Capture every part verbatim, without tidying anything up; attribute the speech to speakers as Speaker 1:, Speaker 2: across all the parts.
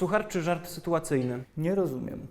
Speaker 1: Suchar czy żart sytuacyjny?
Speaker 2: Nie rozumiem.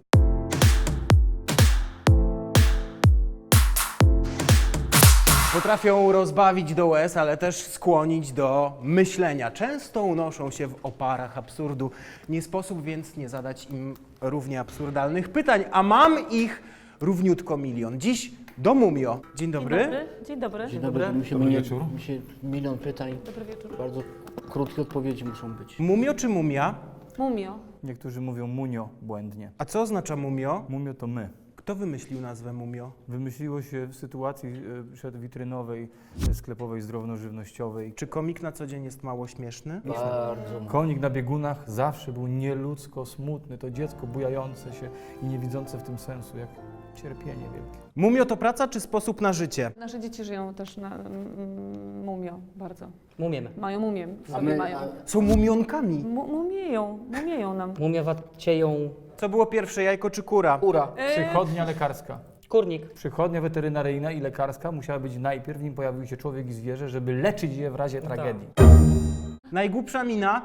Speaker 1: Potrafią rozbawić do łez, ale też skłonić do myślenia. Często unoszą się w oparach absurdu. Nie sposób więc nie zadać im równie absurdalnych pytań, a mam ich równiutko milion. Dziś do Mumio. Dzień dobry.
Speaker 3: Dzień dobry. Dzień dobry.
Speaker 4: Dzień dobry. Mi się,
Speaker 2: Dobry
Speaker 4: mnie,
Speaker 2: wieczór.
Speaker 4: mi się milion pytań,
Speaker 3: Dobry wieczór.
Speaker 4: bardzo krótkie odpowiedzi muszą być.
Speaker 1: Mumio czy mumia?
Speaker 3: Mumio.
Speaker 2: Niektórzy mówią munio błędnie.
Speaker 1: A co oznacza mumio?
Speaker 2: Mumio to my.
Speaker 1: Kto wymyślił nazwę mumio?
Speaker 2: Wymyśliło się w sytuacji e, przedwitrynowej, e, sklepowej, zdrownożywnościowej.
Speaker 1: Czy komik na co dzień jest mało śmieszny?
Speaker 4: Bardzo mało.
Speaker 2: Konik na biegunach zawsze był nieludzko smutny. To dziecko bujające się i nie widzące w tym sensu, jak cierpienie wielkie.
Speaker 1: Mumio to praca czy sposób na życie?
Speaker 3: Nasze dzieci żyją też na mm, mumio bardzo.
Speaker 5: Mumiemy.
Speaker 3: Mają mumię w
Speaker 4: A
Speaker 3: sobie
Speaker 4: my,
Speaker 3: mają.
Speaker 4: a,
Speaker 1: Są mumionkami.
Speaker 3: Mu- Mumieją, mumieją nam.
Speaker 5: Mumiowacieją
Speaker 1: Co było pierwsze, jajko czy kura?
Speaker 4: kura.
Speaker 2: Przychodnia lekarska.
Speaker 5: kurnik.
Speaker 2: Przychodnia weterynaryjna i lekarska musiała być najpierw, nim pojawił się człowiek i zwierzę, żeby leczyć je w razie tragedii.
Speaker 1: Najgłupsza mina?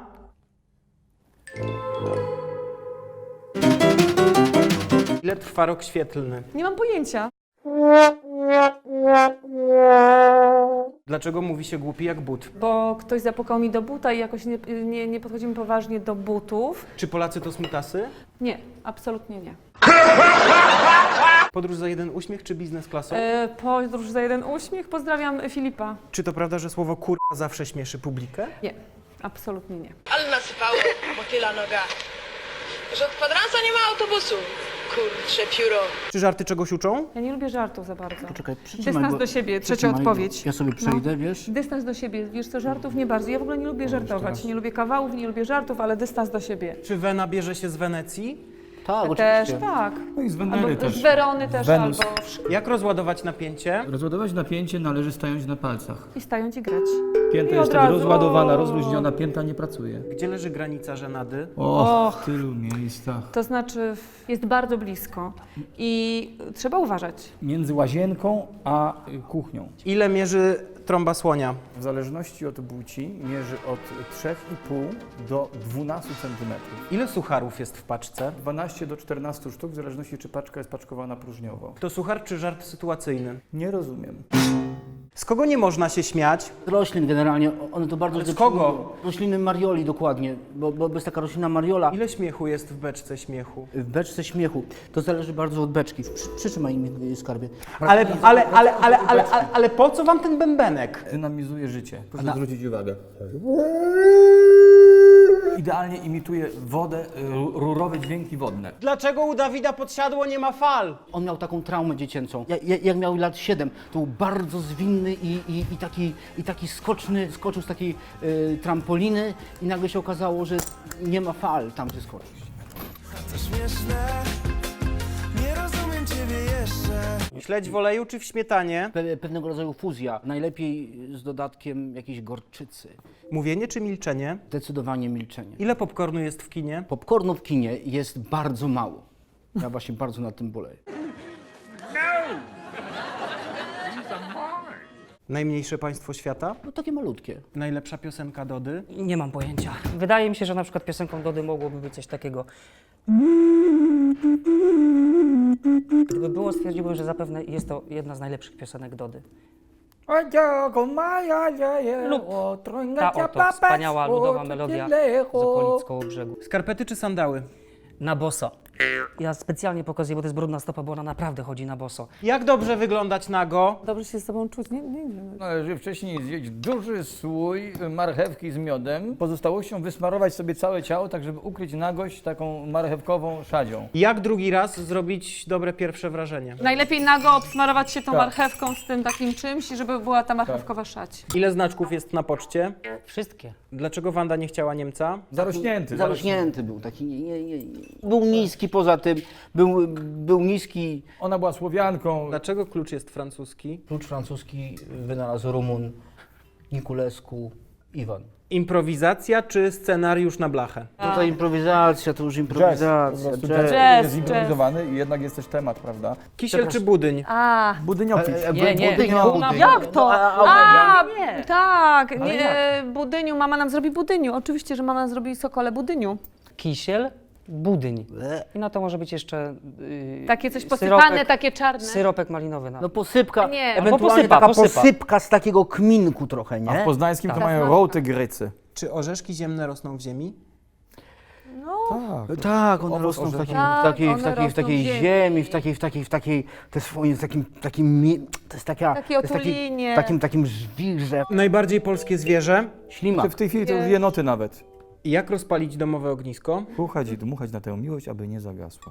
Speaker 1: Ile trwa rok świetlny?
Speaker 3: Nie mam pojęcia.
Speaker 1: Dlaczego mówi się głupi jak but?
Speaker 3: Bo ktoś zapukał mi do buta i jakoś nie, nie, nie podchodzimy poważnie do butów.
Speaker 1: Czy Polacy to smutasy?
Speaker 3: Nie, absolutnie nie.
Speaker 1: Podróż za jeden uśmiech czy biznes klasą?
Speaker 3: E, podróż za jeden uśmiech. Pozdrawiam Filipa.
Speaker 1: Czy to prawda, że słowo kurwa zawsze śmieszy publikę?
Speaker 3: Nie, absolutnie nie.
Speaker 6: Ale nasypało motyla noga. Że od kwadransa nie ma autobusu. Kurcze pióro.
Speaker 1: Czy żarty czegoś uczą?
Speaker 3: Ja nie lubię żartów za bardzo.
Speaker 4: Czekaj, przytrzymaj,
Speaker 3: Dystans
Speaker 4: bo-
Speaker 3: do siebie, trzecia
Speaker 4: przytrzymaj,
Speaker 3: odpowiedź.
Speaker 4: Ja sobie przejdę,
Speaker 3: No.
Speaker 4: wiesz?
Speaker 3: Dystans do siebie, wiesz co, żartów nie bardzo. Ja w ogóle nie lubię żartować, nie lubię kawałów, nie lubię żartów, ale dystans do siebie.
Speaker 1: Czy Wena bierze się z Wenecji?
Speaker 4: Tak,
Speaker 3: Też
Speaker 4: oczywiście.
Speaker 3: tak.
Speaker 2: No i z Wenery
Speaker 3: Albo
Speaker 2: też.
Speaker 3: z Werony też,
Speaker 2: Wenus.
Speaker 3: albo
Speaker 1: Jak rozładować napięcie?
Speaker 2: Rozładować napięcie należy stając na palcach.
Speaker 3: i stając i grać.
Speaker 2: Pięta
Speaker 3: I
Speaker 2: jest
Speaker 3: od
Speaker 2: wtedy
Speaker 3: razu-
Speaker 2: rozładowana, rozluźniona, pięta nie pracuje.
Speaker 1: Gdzie leży granica żenady?
Speaker 2: O,
Speaker 3: Och.
Speaker 2: w tylu miejscach.
Speaker 3: To znaczy jest bardzo blisko i trzeba uważać.
Speaker 2: Między łazienką a y, kuchnią.
Speaker 1: Ile mierzy trąba słonia?
Speaker 2: W zależności od płci mierzy od trzy i pół do dwunastu centymetrów.
Speaker 1: Ile sucharów jest w paczce?
Speaker 2: dwanaście do czternastu sztuk, w zależności czy paczka jest paczkowana próżniowo.
Speaker 1: To suchar czy żart sytuacyjny?
Speaker 2: Nie rozumiem.
Speaker 1: Z kogo nie można się śmiać?
Speaker 4: Z roślin generalnie, one to bardzo
Speaker 1: Ale z
Speaker 4: zdecydują.
Speaker 1: kogo?
Speaker 4: Rośliny Marioli dokładnie, bo, bo jest taka roślina Mariola.
Speaker 1: Ile śmiechu jest w beczce śmiechu?
Speaker 4: W beczce śmiechu. To zależy bardzo od beczki. Przy, przytrzymaj mi skarbie.
Speaker 1: Ale, ale, ale, ale, ale, ale, ale po co wam ten bębenek?
Speaker 2: Dynamizuje życie. Proszę zwrócić uwagę. Idealnie imituje wodę, y, rurowe dźwięki wodne.
Speaker 1: Dlaczego u Dawida pod siadło nie ma fal?
Speaker 4: On miał taką traumę dziecięcą. Jak, jak miał lat siedem, to był bardzo zwinny i, i, i, taki, i taki skoczny, skoczył z takiej y, trampoliny i nagle się okazało, że nie ma fal tam, gdzie skoczył.
Speaker 7: To śmieszne, nie rozumiem ciebie jeszcze.
Speaker 1: Śledź w oleju czy w śmietanie?
Speaker 4: Pe, pewnego rodzaju fuzja, najlepiej z dodatkiem jakiejś gorczycy.
Speaker 1: Mówienie czy milczenie?
Speaker 4: Zdecydowanie milczenie.
Speaker 1: Ile popcornu jest w kinie?
Speaker 4: Popcornu w kinie jest bardzo mało. Ja właśnie bardzo nad tym boleję.
Speaker 1: Najmniejsze państwo świata?
Speaker 4: No takie malutkie.
Speaker 1: Najlepsza piosenka Dody?
Speaker 5: Nie mam pojęcia. Wydaje mi się, że na przykład piosenką Dody mogłoby być coś takiego. Gdyby było, stwierdziłbym, że zapewne jest to jedna z najlepszych piosenek Dody. Lub ta oto wspaniała ludowa melodia z okolic Kołobrzegu.
Speaker 1: Skarpety czy sandały?
Speaker 5: Na boso. Ja specjalnie pokazuję, bo to jest brudna stopa, bo ona naprawdę chodzi na boso.
Speaker 1: Jak dobrze wyglądać nago?
Speaker 3: Dobrze się z sobą czuć, nie, nie wiem.
Speaker 2: Należy wcześniej zjeść duży słój marchewki z miodem, pozostałością wysmarować sobie całe ciało, tak żeby ukryć nagość taką marchewkową szadzią.
Speaker 1: Jak drugi raz zrobić dobre pierwsze wrażenie?
Speaker 3: Najlepiej nago obsmarować się tą
Speaker 2: Tak.
Speaker 3: marchewką z tym takim czymś, żeby była ta marchewkowa szać.
Speaker 1: Ile znaczków jest na poczcie?
Speaker 5: Wszystkie.
Speaker 1: Dlaczego Wanda nie chciała Niemca?
Speaker 2: Zarośnięty.
Speaker 4: Zarośnięty był, taki nie, nie, nie, nie. Był niski poza tym, był, był niski.
Speaker 2: Ona była Słowianką.
Speaker 1: Dlaczego klucz jest francuski?
Speaker 4: Klucz francuski wynalazł Rumun, Niculescu, Iwan.
Speaker 1: Improwizacja czy scenariusz na blachę?
Speaker 4: Tutaj improwizacja, to już
Speaker 2: Jazz. Po
Speaker 4: improwizacja.
Speaker 2: prostu
Speaker 4: jazz.
Speaker 2: jazz
Speaker 3: Jazz,
Speaker 2: jest improwizowany i jednak jest też temat, prawda?
Speaker 1: Kisiel czy budyń?
Speaker 3: A,
Speaker 2: Budyniopić.
Speaker 4: E, e,
Speaker 5: Nie, nie,
Speaker 4: budyń,
Speaker 5: no,
Speaker 4: budyń.
Speaker 3: jak to?
Speaker 4: A, a,
Speaker 3: A, tak,
Speaker 2: Ale
Speaker 3: nie, budyniu, mama nam zrobi budyniu. Oczywiście, że mama zrobi sokole budyniu.
Speaker 5: kisiel, budyń.
Speaker 4: Ble.
Speaker 5: I na to może być jeszcze yy,
Speaker 3: Takie coś posypane,
Speaker 5: syropek,
Speaker 3: takie czarne.
Speaker 5: syropek malinowy. Na.
Speaker 4: No posypka,
Speaker 3: Nie.
Speaker 4: ewentualnie
Speaker 5: Albo posypa,
Speaker 4: taka
Speaker 5: posypa.
Speaker 4: posypka z takiego kminku trochę,
Speaker 2: A w
Speaker 4: nie?
Speaker 2: poznańskim to
Speaker 5: Tak.
Speaker 2: mają rołty grycy.
Speaker 1: Czy orzeszki ziemne rosną w ziemi?
Speaker 2: Tak.
Speaker 4: Tak, one
Speaker 2: Owoc
Speaker 4: rosną w
Speaker 2: orzecha.
Speaker 4: takiej,
Speaker 3: Tak,
Speaker 4: w takiej, w
Speaker 3: one
Speaker 4: takiej, w
Speaker 3: rosną
Speaker 4: takiej
Speaker 3: w ziemi.
Speaker 4: ziemi, w takiej, w takiej, w takiej, to jest swoim, takim, takim, mie- to jest taka,
Speaker 3: Takie
Speaker 4: to jest taki,
Speaker 3: otulinie.
Speaker 4: takim, takim żwirze,
Speaker 1: Najbardziej polskie zwierzę.
Speaker 4: ślimak.
Speaker 2: W tej chwili to już jenoty nawet.
Speaker 1: Jak rozpalić domowe ognisko?
Speaker 2: Puchać i dmuchać na tę miłość, aby nie zagasła.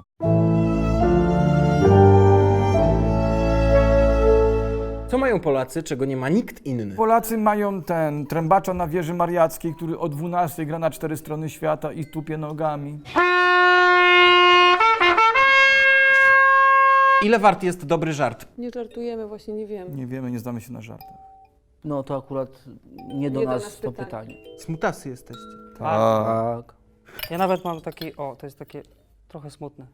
Speaker 1: Co mają Polacy, czego nie ma nikt inny?
Speaker 2: Polacy mają ten trębacza na wieży mariackiej, który o dwunastej gra na cztery strony świata i tupie nogami.
Speaker 1: Ile wart jest dobry żart?
Speaker 3: Nie żartujemy, właśnie nie wiem.
Speaker 2: Nie wiemy, nie znamy się na żartach.
Speaker 4: No to akurat nie do
Speaker 3: Nie do
Speaker 4: nas
Speaker 3: nas
Speaker 4: to
Speaker 3: pytanie.
Speaker 4: pytanie.
Speaker 1: Smutasy jesteście.
Speaker 4: Tak.
Speaker 5: Ja nawet mam taki, o, to jest takie trochę smutne.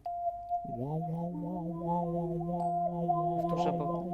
Speaker 5: Proszę, bo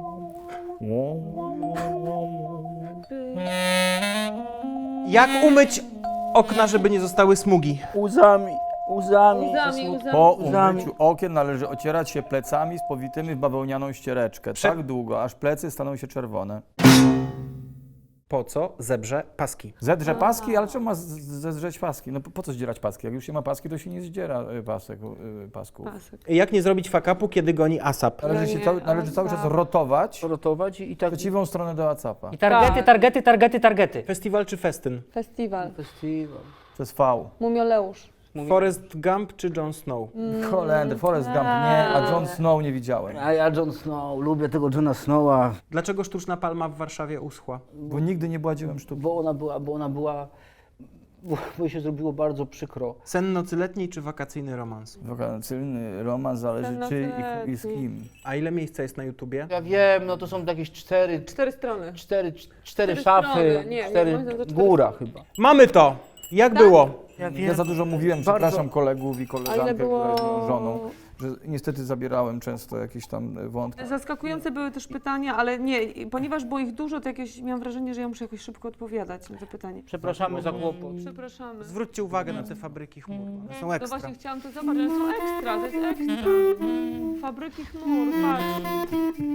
Speaker 1: Jak umyć okna, żeby nie zostały smugi?
Speaker 4: Łzami, łzami.
Speaker 3: Łzami, łzami.
Speaker 2: po
Speaker 4: Łzami.
Speaker 2: umyciu okien należy ocierać się plecami z powitymi w bawełnianą ściereczkę.
Speaker 1: Prze-
Speaker 2: Tak długo, aż plecy staną się czerwone.
Speaker 1: Po co zebrze paski?
Speaker 2: Zedrze paski, ale czemu ma z- z- zedrzeć paski? No po, po co zdzierać paski? Jak już się ma paski, to się nie zdziera y, pasek, y, pasków.
Speaker 3: Pasek.
Speaker 1: Jak nie zrobić fakapu, kiedy goni asap?
Speaker 2: Należy, się
Speaker 3: nie,
Speaker 2: cały, należy cały czas
Speaker 3: ASAP.
Speaker 2: rotować
Speaker 4: Rotować i
Speaker 2: w
Speaker 4: tak.
Speaker 2: przeciwną stronę do acapa.
Speaker 5: i targety,
Speaker 3: Tak.
Speaker 5: targety, targety, targety.
Speaker 1: Festiwal czy festyn?
Speaker 3: Festiwal.
Speaker 4: Festiwal.
Speaker 2: Przez V.
Speaker 3: Mumioleusz.
Speaker 1: Forrest Gump czy Jon Snow?
Speaker 2: Holender, Forrest Gump nie, a Jon Snow nie widziałem.
Speaker 4: A ja Jon Snow, lubię tego Johna Snowa,
Speaker 1: Dlaczego sztuczna palma w Warszawie uschła?
Speaker 2: Bo nigdy nie była dziełem sztuki.
Speaker 4: bo ona była, bo ona była, bo, bo jej się zrobiło bardzo przykro.
Speaker 1: Sen nocy letniej czy wakacyjny romans?
Speaker 2: Wakacyjny romans zależy
Speaker 3: Ten
Speaker 2: czy i, i z
Speaker 3: letni.
Speaker 2: kim.
Speaker 1: A ile miejsca jest na YouTubie?
Speaker 4: Ja wiem, no to są jakieś cztery,
Speaker 3: Cztery strony.
Speaker 4: cztery, cztery
Speaker 3: Cztery
Speaker 4: szafy,
Speaker 3: strony. Nie, nie,
Speaker 4: cztery,
Speaker 3: moim zdaniem to cztery
Speaker 4: góra
Speaker 3: strony.
Speaker 4: chyba.
Speaker 1: Mamy to! Jak było?
Speaker 4: Ja
Speaker 2: Ja za dużo mówiłem, przepraszam kolegów i
Speaker 3: A
Speaker 2: koleżankę,
Speaker 3: ile było...
Speaker 2: która jest moją żoną, że niestety zabierałem często jakieś tam wątki.
Speaker 3: Zaskakujące były też pytania, ale nie, ponieważ było ich dużo, to jakieś miałam wrażenie, że ja muszę jakoś szybko odpowiadać na te pytanie.
Speaker 4: Przepraszamy za kłopot.
Speaker 3: Przepraszamy.
Speaker 1: Zwróćcie uwagę na te fabryki chmur. One są
Speaker 3: No
Speaker 1: ekstra.
Speaker 3: właśnie chciałam to zobaczyć, one są ekstra, to jest ekstra. Fabryki chmur, patrz.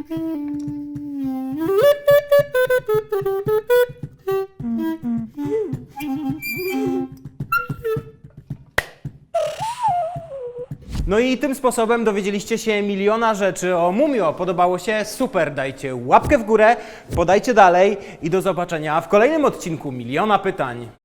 Speaker 1: No i tym sposobem dowiedzieliście się miliona rzeczy o Mumio. Podobało się? Super, dajcie łapkę w górę, podajcie dalej i do zobaczenia w kolejnym odcinku Miliona Pytań.